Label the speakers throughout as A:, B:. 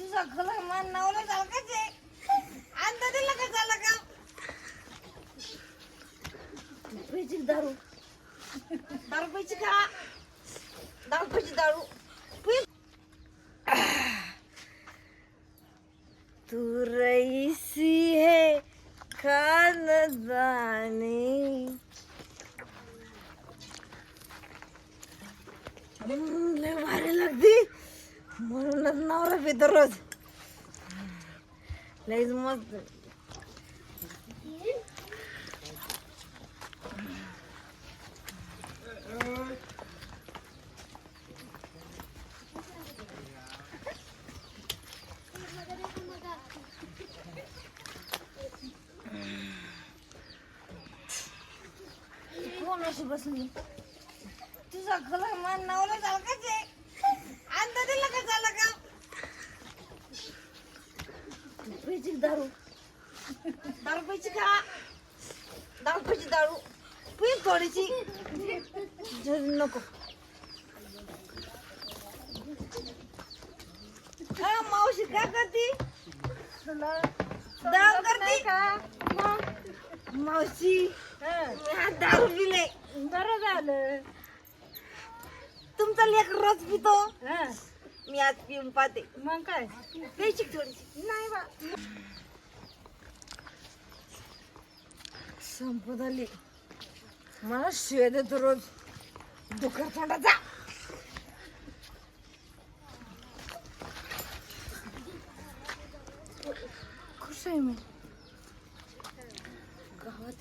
A: तुझा खला मान नावला झाला का जे अंदा दिला का झाला का पैची दारू दारू पैची का दारू पैची दारू तू रईसी है खानदानी लय भारी लागते म्हणूनच नवरा पितो रोज लयच मस्त कोण अशी बसली तुझा खला मान नावला झाला का जे अंदा दिला का झाला का पैची दारू दारू पैची का दारू पैची दारू पी थोडीशी नको हा मावशी काय करते दारू करते का मावशी मी दारू पिले बरं झालं तुमचा लेक रोज पितो मी आज पिऊन पाहते मग काय प्यायची थोडीशी नाही बा संपत आली मला शिव्या देतो रोज डोकर तोंडाचा खुश आहे मी गावात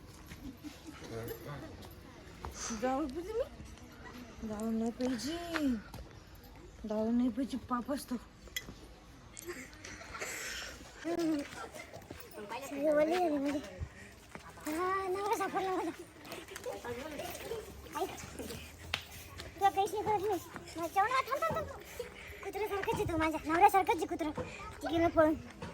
A: जाऊ पिते मी दारू नाही पाहिजे दारू नाही पाहिजे पाप असतो
B: कुत्र्यासारखंच तू माझ्या नवऱ्यासारखंच कुत्रा गेलं पळून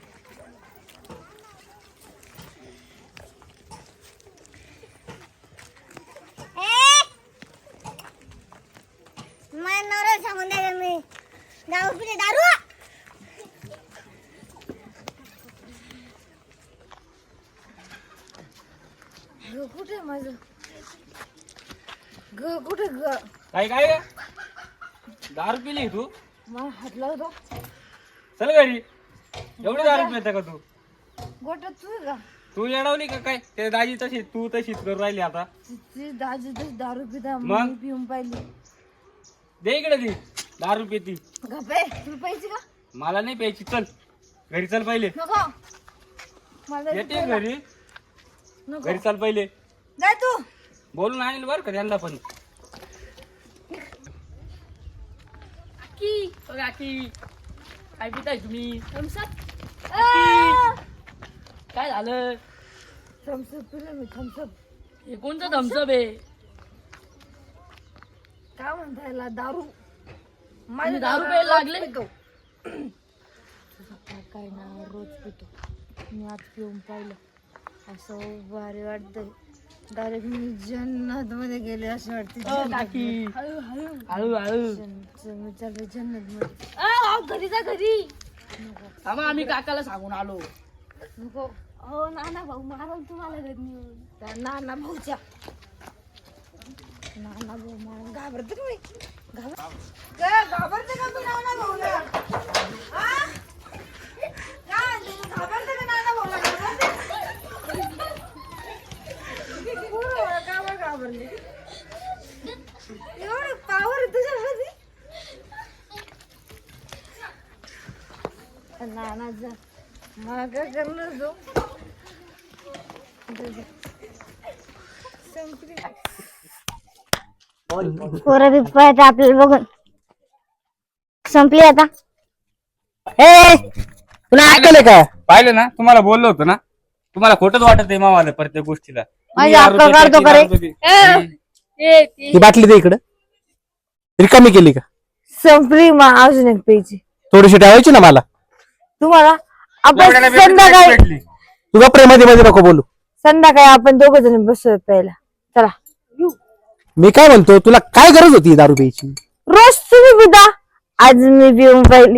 B: सांगून द्या मी दारू पिले दारू
A: ग कुठे माझं ग कुठे ग
C: काय काय दारू पिली तू
A: मला हात लावतो
C: चल घरी एवढी दारू पिता का तू
A: गोट्यात तू का
C: तू येडवली का काय ते दाजी तशीच तू तशीच करून राहिली आता
A: तिची दाजी तशी दारू पिता
C: मग?
A: मी पिऊन पाहिली
C: दे इकडे ती दारू पिती
A: गप्पे तुला पाहिजे का
C: मला नाही प्यायची चल घरी चल पहिले
A: नको मला
C: येते घरी
A: नको
C: घरी चल पहिले
A: जाय तू
C: बोलून आणेल बरं का त्यांना पण
D: काकी काय पिताय तुम्ही काय झालं
A: थम्सअप पिलं मी थम्सअप
D: हे कोणतं धमसप आहे
A: काय म्हणता याला दारू
D: तुम्ही दारू प्यायला लागले?
A: पितो तुझा काय ना रोज पितो मी आज पिऊन पाहिलं असं भारी वाटतंय डायरेक्ट मी जन्नत मध्ये गेले असं वाटते
D: काकी
A: हळू हळू
D: हळू हळू
A: मी चालले जन्नत मध्ये
D: घरी जा घरी आम्हा आम्ही काकाला सांगून आलो
A: नको
B: हो नाना भाऊ मारल तुम्हाला घरी नेऊन
A: त्या नाना भाऊच्या नाना भाऊ मला घाबरते का मी घाबरते का मी नाना भाऊला हा? काय तुम्ही घाबरते का नाना भाऊला घाबरते का बरं घाबरली एवढं पावर आहे तुझ्यामध्ये नाना जा मला काय करणार जो संपली
B: पोरं बी पळत आपल्याला बघून संपली आता
E: तुला ऐकलं का
C: पाहिलं ना तुम्हाला बोललो होतो ना तुम्हाला खोटच वाटत आहे मावाला प्रत्येक गोष्टीला
B: माझी अक्कल काढतो का रे?
E: ही बाटली दे इकडं रिकामी केली का
A: संपली मग अजून एक पेजी
E: थोडीशी ठेवायची ना मला
A: तुम्हाला आपण संध्याकाळी
E: तुझा प्रेमामध्ये मध्ये नको बोलू
A: संध्याकाळी आपण दोघ जण बसूया प्यायला चला
E: मी काय म्हणतो तुला काय गरज होती दारू प्यायची
A: रोज तुम्ही पिता आज मी पिऊन पाहिली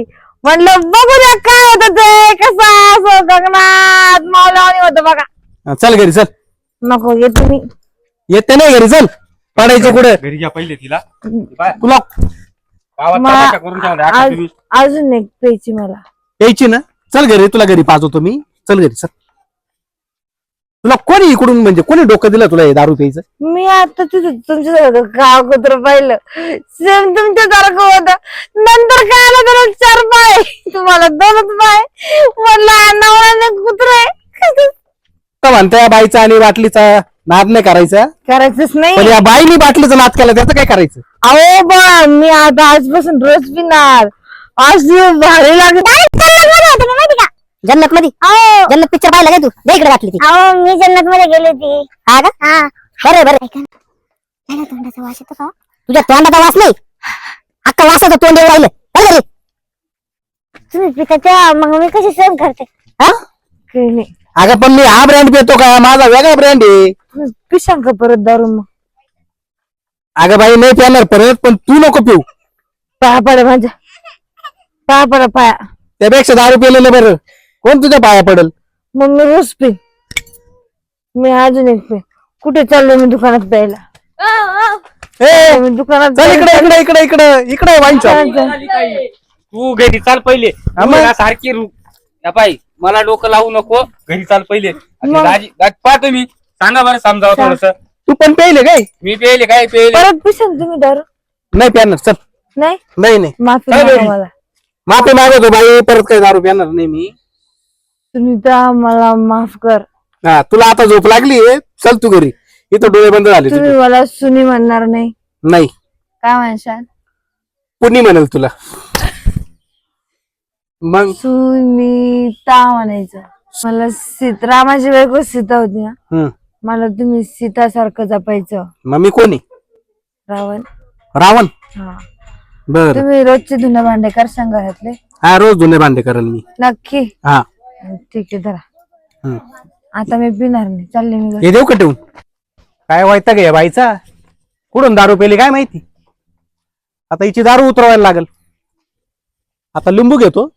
A: म्हणलं बघूया काय होत ते कसं असं गगनात मावलावानी होतं बघा.
E: चल घरी चल.
A: नको येते मी.
E: येते नाही घरी चल. पडायचं कुठे
C: घरी घ्या पहिले तिला
E: तुला
C: गावात
A: मा-
C: तमाशा करून ठेवला आता तुम्ही.
A: अजून एक प्यायची मला.
E: यायची ना. चल घरी तुला घरी पाजवतो मी. चल घरी चल. तुला कोणी इकडून म्हणजे कोणी डोकं दिलं तुला हे दारू प्यायचं.
A: मी आता तिथं तुमच्यासोबत गाव कुत्र पाहिलं सेम तुमच्यासारखं होतं. नंतर काय आलं त्याला 4 पाय तुम्हाला 2च पाय. म्हणलं नवऱ्याने कुत्रे
E: तर म्हणते या बाईचा आणि बाटलीचा नाद नाही करायचा.
A: करायचंच
E: पण
A: नाही.
E: या बाईनी बाटलीचा नाद केला त्याचं काय करायचं.
A: अहो बा मी आता आजपासून रोज पिणार. आज भारी लागत.
B: माहिती का जन्नत मध्ये जन्नत पिक्चर पाहिला का तू इकडे वाटली ती. अहो मी जन्नत मध्ये गेली होती. हा का हा बरं बरं. तोंडाचा वास येतो का तुझ्या तोंडाचा वास नाही अख्खा वासाचं तोंड येऊ राहिलं. चल घरी. तुम्ही पिताच्या मग मी कशी सहन करते. हा
A: काही नाही.
E: अगं पण मी हा ब्रँड पितो का माझा वेगळा ब्रँड आहे.
A: तुम्ही पिशांक का परत दारू मग.
E: अगं बाई नाही पिणार परत पण तू नको पिऊ.
A: पाया पडा माझ्या पाया पडा पाया.
E: त्यापेक्षा दारू पिलेलं बरं. कोण तुझ्या पाया पडल.
A: मग मी रोज पे. मी अजून एक पे. कुठे चाललोय मी दुकानात प्यायला.
E: ए
A: मी दुकानात
E: चल इकडे इकडे इकडे इकडे इकडे वाईन शॉप.
C: तू घरी चाल पहिले.
E: हा मग.
C: तू ना सारखी या पाय मला डोकं लावू नको. घरी चाल पहिले.
A: मग.
C: दाजी पहा तुम्ही सांगा बरं समजावं थोडस.
E: तू पण प्यायले काय.
C: मी पेले काय पेले.
A: परत पिशान तुम्ही दारू.
E: नाही प्याणार चल.
A: नाही
E: नाही नाही
A: माफी
C: काय
A: मागा
C: बरी?
A: मला.
E: माफी मागवतो बाई परत काही दारू प्याणार नाही मी.
A: तुम्ही तर मला माफ कर.
E: हा तुला आता झोप लागली चल तू घरी. इथं डोळे बंद झाले
A: तुम्ही
E: तुझे.
A: मला सुनी म्हणणार नाही.
E: नाही
A: काय म्हणशाल.
E: कुणी म्हणेल तुला मग.
A: सुनीता म्हणायचं. मला रामाची बायको सीता होती ना.
E: हम्म.
A: मला तुम्ही सीता सारखं जपायचं.
E: मग मी कोणी
A: रावण.
E: रावण.
A: हा
E: बर
A: तुम्ही रोजचे धुणं भांडे करशाल घरातले.
E: हा रोज धुणे भांडे करेल मी.
A: नक्की.
E: हा
A: ठीक आहे धरा.
E: हम्म.
A: आता मी पिणार नाही. चालले मी घरी.
E: हे देऊ का ठेवून. काय व्हायचं का या बाईचा कुठून दारू पेली काय माहिती. आता हिची दारू उतरवायला लागल. आता लिंबू घेतो